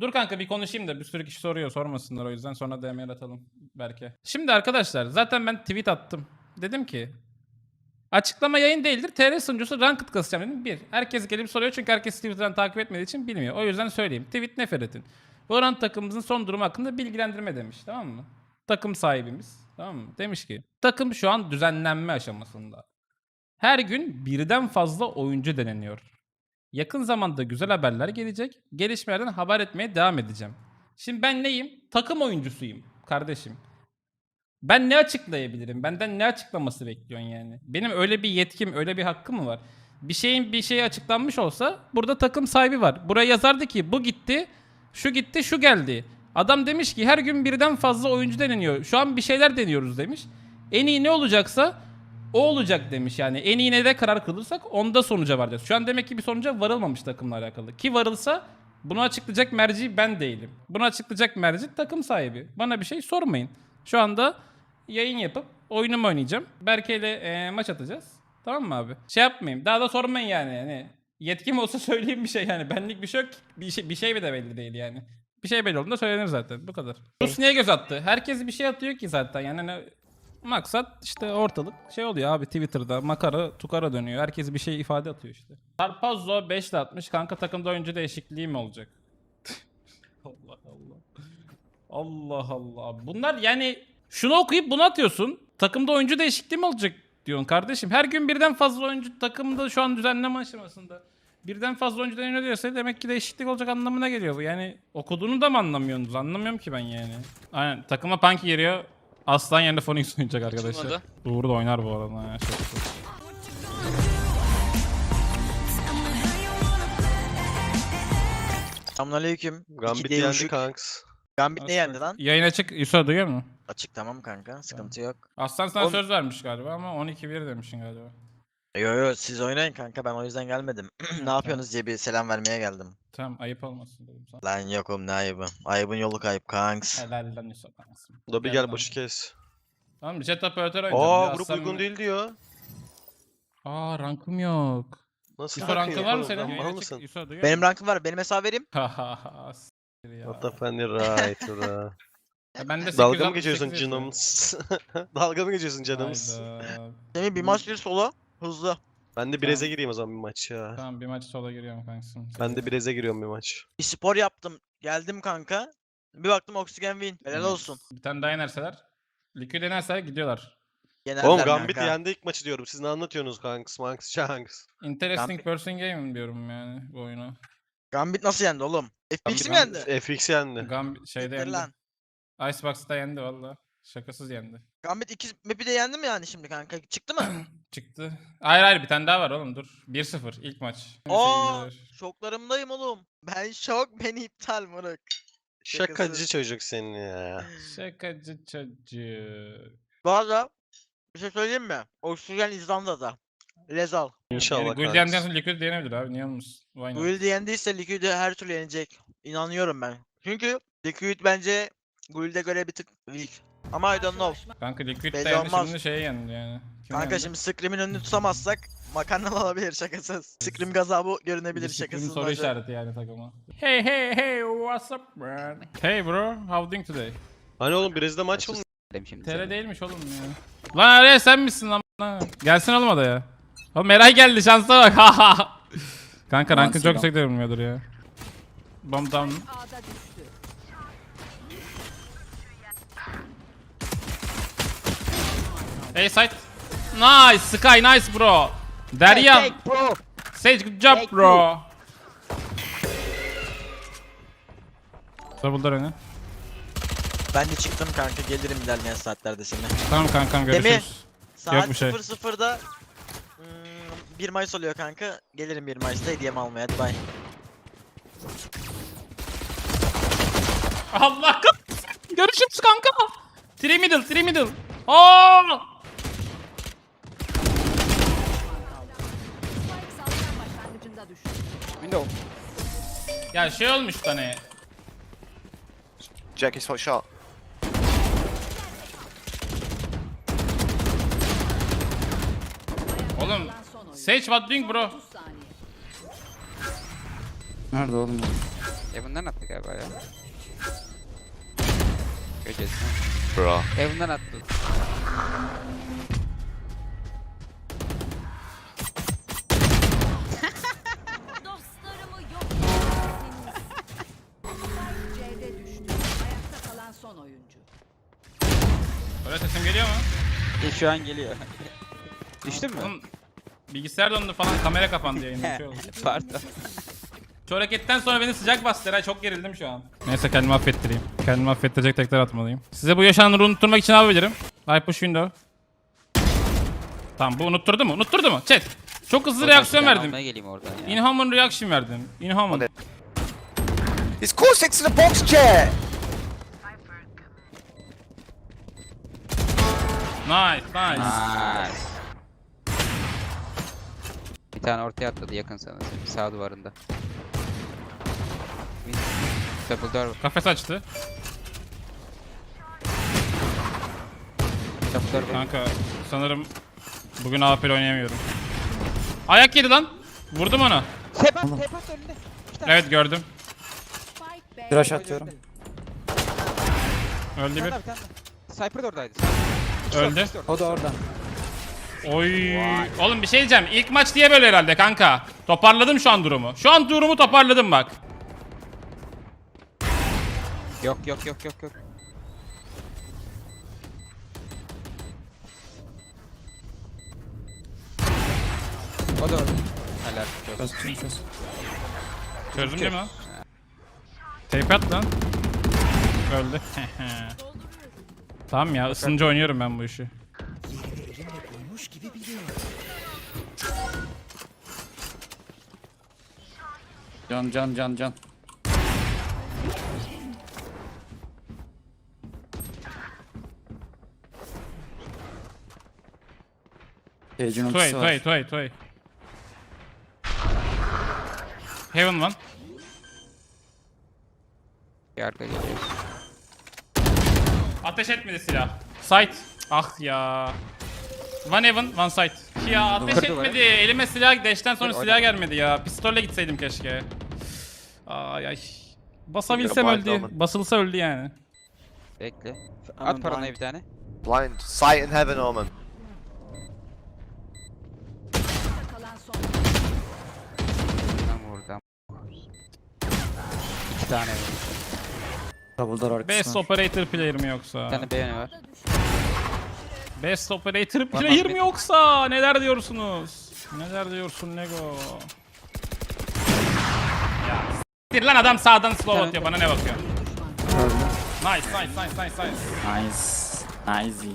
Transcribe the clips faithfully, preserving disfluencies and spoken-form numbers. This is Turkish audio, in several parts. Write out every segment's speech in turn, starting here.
Dur kanka bir konuşayım da bir sürü kişi soruyor, sormasınlar o yüzden sonra D M'ye atalım belki. Şimdi arkadaşlar zaten ben tweet attım. Dedim ki açıklama yayın değildir. T R sunucusu ranked kasacağım dedim. Bir. Herkes gelip soruyor çünkü herkes Twitter'dan takip etmediği için bilmiyor. O yüzden söyleyeyim. Tweet Neferet'in. Valorant takımımızın son durumu hakkında bilgilendirme demiş. Tamam mı? Takım sahibimiz. Tamam mı? Demiş ki takım şu an düzenlenme aşamasında. Her gün birden fazla oyuncu deneniyor. Yakın zamanda güzel haberler gelecek. Gelişmelerden haber etmeye devam edeceğim. Şimdi ben neyim? Takım oyuncusuyum kardeşim. Ben ne açıklayabilirim? Benden ne açıklaması bekliyorsun yani? Benim öyle bir yetkim, öyle bir hakkım mı var? Bir şeyin bir şeye açıklanmış olsa burada takım sahibi var. Buraya yazardı ki bu gitti, şu gitti, şu geldi. Adam demiş ki her gün birden fazla oyuncu deneniyor. Şu an bir şeyler deniyoruz demiş. En iyi ne olacaksa o olacak demiş yani. En iyi ne de karar kılırsak onda sonuca varacağız. Şu an demek ki bir sonuca varılmamış takımla alakalı. Ki varılsa bunu açıklayacak merci ben değilim. Bunu açıklayacak merci takım sahibi. Bana bir şey sormayın. Şu anda yayın yapıp oyunumu oynayacağım. Berke ile e, maç atacağız. Tamam mı abi? Şey yapmayayım. Daha da sormayın yani. yani yetkim olsa söyleyeyim bir şey yani. Benlik bir şey yok. Bir şey, bir şey de belli değil yani. Bir şey belli olduğunda söylenir zaten. Bu kadar. Rus niye göz attı? Herkes bir şey atıyor ki zaten. Yani hani maksat işte ortalık şey oluyor abi Twitter'da makara tukara dönüyor. Herkes bir şey ifade atıyor işte. Tarpazzo beş ile atmış. Kanka takımda oyuncu değişikliği mi olacak? Allah Allah. Allah Allah. Bunlar yani şunu okuyup bunu atıyorsun. Takımda oyuncu değişikliği mi olacak diyorsun kardeşim. Her gün birden fazla oyuncu takımda şu an düzenleme aşamasında. Birden fazla oyuncu deniyor diyorsa demek ki değişiklik olacak anlamına geliyor bu. Yani okuduğunu da mı anlamıyorsunuz? Anlamıyorum ki ben yani. Aynen takıma Punky giriyor. Aslan yerine Phoenix oynayacak arkadaşlar. Açılmadı. Uğur da oynar bu arada. Ha, çok çok. Selamünaleyküm. Gambit İki yendi değişik. kanks. Gambit ne yendi lan? Yayın açık. Yusuf duyuyor musun? Açık tamam kanka. Sıkıntı yok. Aslan sana Oğlum- söz vermiş galiba ama on iki bir demişsin galiba. Yo yo siz oynayın kanka ben o yüzden gelmedim. ne yapıyorsunuz diye bir selam vermeye geldim. Tamam ayıp olmasın dedim sana. Lan yok oğlum ne ayıbı. Ayıbın yolu kayıp kanks. Helal lan Yusuf. Da bir Gel gel lan. boşu kes. Tamam jet operatör oynayacağım. Aa Bir grup Aslan- uygun değil diyor. Aa rankım yok. Nasıl Yusuf rankın var mı oğlum, senin? lan Yayın Mal açık. mısın? Yusuf duyuyor Benim musun? rankım var benim hesabı vereyim. Hahaha, s**tir ya. What the funny right bro. Ya ben de Dalga mı sekiz yüz altmış geçiyorsun sekiz yaşındayım. canım? Dalga mı geçiyorsun canımız? Hayda. Semih bir maç bir solo. Hızlı. Ben de Brez'e gireyim o zaman bir maç ya. Tamam bir maç sola giriyorum kanksın. Ben de Brez'e giriyorum bir maç. Bir spor yaptım. Geldim kanka. Bir baktım oksijen win. Helal olsun. Bir tane daha yenerseler. Liquid yenerseler gidiyorlar. Yenerler Oğlum Gambit kanka. yendi ilk maçı diyorum. Siz ne anlatıyorsunuz kanks? Manks, shanks. Interesting Gambit- person game diyorum yani bu oyunu. Gambit nasıl yendi oğlum? F P X mi Gambit- yendi? F X yendi. Gam şeyde Siktir yendi. lan. Icebox'ta yendi valla. Şakasız yendi. Gambit iki map'i de yendi mi yani şimdi kanka? Çıktı mı? Çıktı. Hayır hayır bir tane daha var oğlum dur. bir sıfır ilk maç. Aa, şoklarımdayım oğlum. Ben şok, beni iptal moruk. Şakacı çocuk senin ya. Şakacı çocuk. Bu arada bir şey söyleyeyim mi? Oksijen İzlanda'da. Rezal. İnşallah Yani Gul kanks. yendiğinden sonra Liquid yenebilir abi niye olmasın? Why not? Guild yendiyse Liquid'i her türlü yenecek. İnanıyorum ben. Çünkü Liquid bence Guild'e göre bir tık weak. Ama I don't know. Kanka Liquid Belli de yendi olmaz. şimdi şeye yendi yani. Kim Kanka yendi? şimdi Scream'in önünü tutamazsak makarna olabilir şakasız. Scream gazabı görünebilir Bir sıkıntı şakasız. soru bence. işareti yani takıma. Hey hey hey what's up man? Hey bro how doing today? Hani oğlum Brez'de maç mı? T R değilmiş oğlum ya. Lan araya sen misin lan? lan? Gelsin oğlum o da ya. Oğlum Meray geldi şansa bak. Kanka rankın çok yüksek görünmüyordur ya. Bomb down. Hey side. Nice Sky nice bro. Derya. Take bro. Sage good job Take bro. Double'lar öne. Ben de çıktım kanka gelirim ilerleyen saatlerde seninle. Tamam kankam Değil mi? görüşürüz. Saat bir şey. sıfır sıfırda hmm, bir Mayıs oluyor kanka. Gelirim bir Mayıs'ta hediyemi almaya. Hadi bye. Allah kahretsin. Görüşürüz kanka. Three middle, three middle. Aa! Window. Ya şey olmuş hani. Jack is hot shot. Oğlum Sage what doing bro? Nerede oğlum? Evan'dan attı galiba ya. Göreceğiz. Bro. Evan'dan attı. Dostlarımı yok edeceksiniz. C'de düştü. Ayakta kalan son oyuncu. Böyle sesim geliyor mu? E, şu an geliyor. Düştün mü? Oğlum, bilgisayar dondu falan, kamera kapandı yayında. Bir şey oldu. Pardon. Şu hareketten sonra beni sıcak bastı. Eray, çok gerildim şu an. Neyse, kendimi affettireyim. Kendimi affettirecek tekrar atmalıyım. Size bu yaşananları unutturmak için ne yapabilirim? I push window. Tamam, bu unutturdu mu? Unutturdu mu? Chat. Çok hızlı reaksiyon Ben verdim. almaya geleyim oradan ya. Inhuman reaction verdim. Inhuman. He's core six in the box chair. Nice, nice. Nice. Bir tane ortaya atladı yakın sana. Sağ duvarında. Double door. Kafes açtı. Double door. Kanka sanırım bugün A P L oynayamıyorum. Ayak yedi lan. Vurdum ona. Tepat, tepat önünde. İki tane. Evet, gördüm. Spike B. Flash atıyorum. Öldü Bir bir. tane daha, bir tane daha. Sniper de oradaydı. Öldü. O da orada. Oy. Oğlum bir şey diyeceğim. İlk maç diye böyle herhalde kanka. Toparladım şu an durumu. Şu an durumu toparladım bak. Yok yok yok yok yok. O da orada. Helal. Çöz çöz çöz. Çözdüm değil mi lan? Tape at lan. Öldü. Tamam ya, ısınca oynuyorum ben bu işi. Can can can can. Cage'in Toy, ultisi toy, var. toy, toy. Heaven one. Yarda geliyor. Ateş etmedi silah. Sight. Ah ya. One heaven, one sight. Ya ateş Kırdı etmedi. Elime silah, dash'ten sonra Kır, silah oyna. gelmedi ya. Pistolle gitseydim keşke. Ay ay. Basabilsem You're a blind öldü. woman. Basılsa öldü yani. Bekle. Aman At paranayı blind. bir tane. Blind. Sight in heaven, Omen. Ayakta kalan son oyuncu. Buradan buradan. İki tane var. Double door Best arkasına. operator player mi yoksa? Bir tane beğeni var. Best operator Var, player var. mi yoksa? Neler diyorsunuz? Neler diyorsun Lego? Ya s**tir lan, adam sağdan slow atıyor, bana ne bakıyor? Öldü. Nice, nice, nice, nice, nice. Nice. Nice.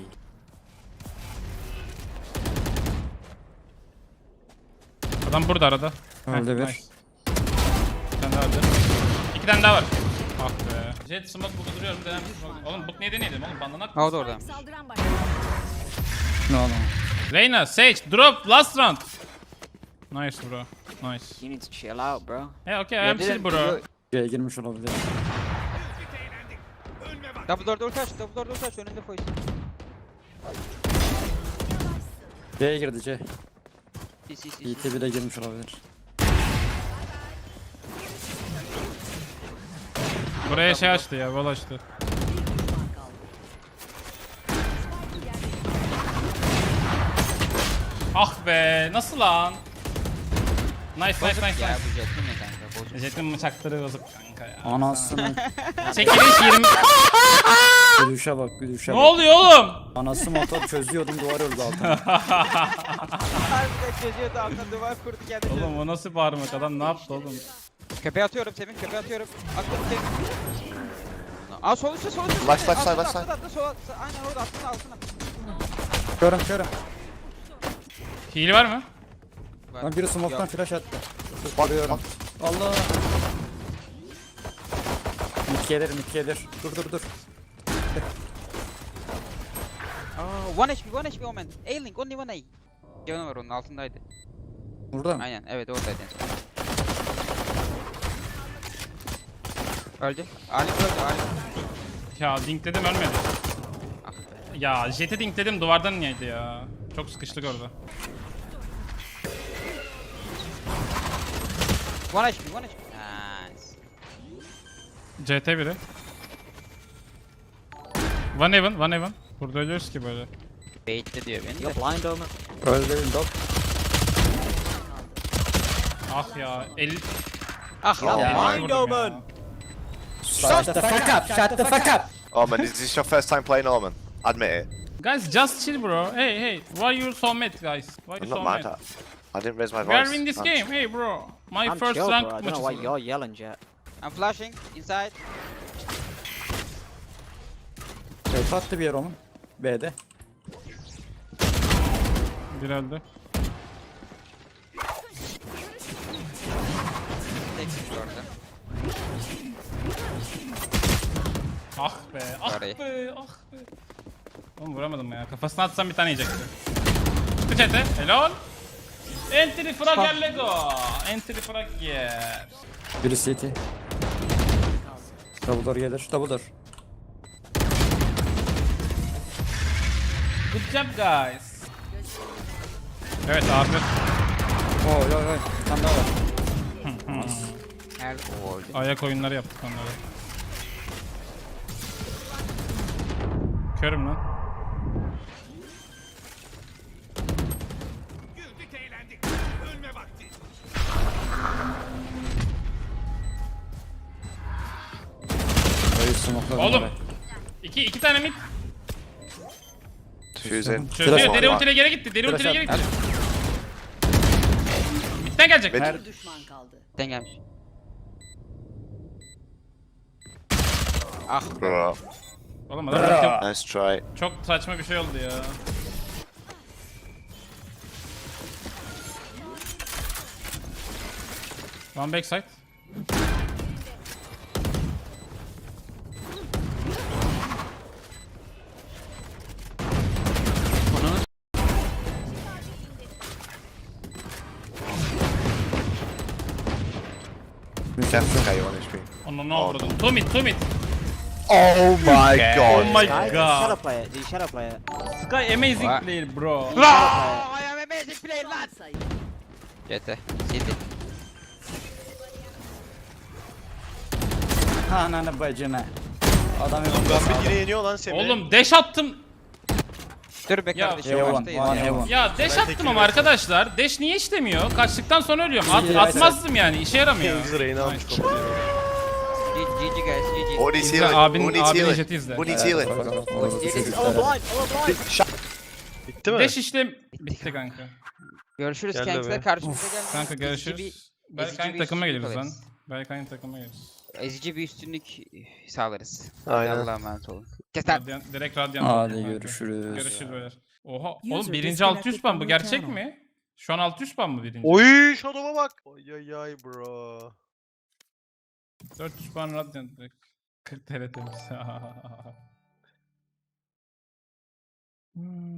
Adam burada arada. Öldü Heh, bir. nice. Bir tane daha öldü. İki tane daha var. Ah be. Jet smoke burada duruyorum. Denem. Oğlum bu neydi neydi oğlum? Bandanak. Ha o da orada. Saldıran başladı. Ne oğlum? Reyna, Sage, drop, last round. Nice bro. Nice. You need to chill out, bro. Hey, okay, I am chill bro. C'ye girmiş olabilir. Double door door taş. Double door door taş. Önünde koy. C'ye girdi C. Si si si. E T bile girmiş olabilir. Buraya şey açtı ya, wall açtı. Ah be, nasıl lan? Nice, nice, nice, Ya nice. bu jet mi ne kanka? Bozuk. Jet'in bıçakları bozuk kanka ya. Anasını. Çekiliş yirmi... Gülüşe bak gülüşe Ne bak. oluyor oğlum? Anası motor çözüyordum duvar öldü altına. Harbiden çözüyordu altına duvar kurdu geldi. Oğlum o nasıl bağırmak, adam ne yaptı oğlum? Köpeğe atıyorum Semih. Köpeğe atıyorum. Atladı Semih. Aa sol üstte sol üstte. Left, left side, Atladı, left side. atladı, atladı, sol atladı. Aynen orada altına altına. Körüm körüm. Hile var mı? Lan biri smoke'tan Yok. flash attı. What? Vuruyorum. Allah. Mid gelir mid gelir. Dur dur dur. Aa, one H P, one H P Omen. A-Link, only one A. Canı var onun altındaydı. Burada mı? Aynen, evet oradaydı en son. Öldü. Alim öldü, Alim. Ya dinkledim, ölmedi. Ah be. Ya jet'i dinkledim, duvardan niyeydi ya? Çok sıkıştık orada. One H P, one H P. Nice. C T biri. One Heaven, One Heaven. Burada ölüyoruz ki böyle. Bait'le diyor beni You're de. blind Omen. Öldü window. Ah ya. El... Ah Oh lan. my. Mind Omen. Shut the fuck up. Shut the fuck up. Omen, is this your first time playing Omen? Admit it. Guys, just chill bro. Hey, hey. Why you so mad guys? Why you I'm so not mad? mad. I, I didn't raise my We are voice. in this I'm- game. Hey bro. My I'm first chill, rank bro. I don't know why maçı. you're yelling, Jet. I'm flashing inside. Şey attı bir yer Omen. B'de. Bir öldü. Teksin şu orada. Ah be, ah Orayı. be, ah be. Oğlum vuramadım ya. Kafasına atsam bir tane yiyecekti. Çıktı çete. Helal. Entry frag Lego. Entry frag yer. Biri C T. Double door gelir. Double door. Good job guys. Evet abi. Oy oy oy. Bir tane daha var. Nerede? Oo, öldü. Ayak oyunları yaptık onları. Körüm lan. Dayı smoke'ladım Oğlum. orayı. İki, iki tane mid. Diffusing. Çözüyor. Flash Deri var. ultiyle geri gitti. Deri Flash ultiyle geri at. gitti. Midden gelecek. Mid. Bir düşman kaldı. Den gelmiş. Ah. Bro. Oğlum adam ulti- Nice try. çok saçma bir şey oldu ya. One backside. Careful, K on H P. Onu ne avradın? Two mid, two mid. Oh my Oh god. my Guys, god. shadow player. The shadow player. Sky amazing What? player bro. I am amazing player lan. Son sayı. C T. City. Ananı bacına. Adam yok. Gambit yine yeniyor lan Semih. Oğlum dash attım. Dur be Ya, kardeşim. Evan, baştayız one ya. Evan. Ya dash Ben attım tekini ama verdim. arkadaşlar. Dash niye işlemiyor? Kaçtıktan sonra ölüyorum. At, İyi, atmazdım yani. İşe yaramıyor. Kings Reyna almış Nice. kapıyı. G G guys G G. Who needs İzle, healing? abin- Who needs abin healing? jeti izle. Who needs healing? Bitti mi? Dash işlem bitti kanka. Görüşürüz Gel de Kanks'le be. karşımıza gelmeyin. Kanka Ezici bir- görüşürüz. Belki ezici aynı bir takıma üstünlük geliriz lan. alırız. Belki aynı takıma geliriz. Ezici bir üstünlük sağlarız. Aynen. Allah'a emanet olun. Kes lan. Radyan, direkt radyan. Hadi kanka. görüşürüz. Görüşürüz beyler. Oha User oğlum birinci disconnected altı yüz ban bu from your gerçek channel. mi? Şu an altı yüz ban mı birinci? Oy şu adama bak. Ay ay ay bro. dört yüz ban radyan direkt. kırk T L temiz. Hmm.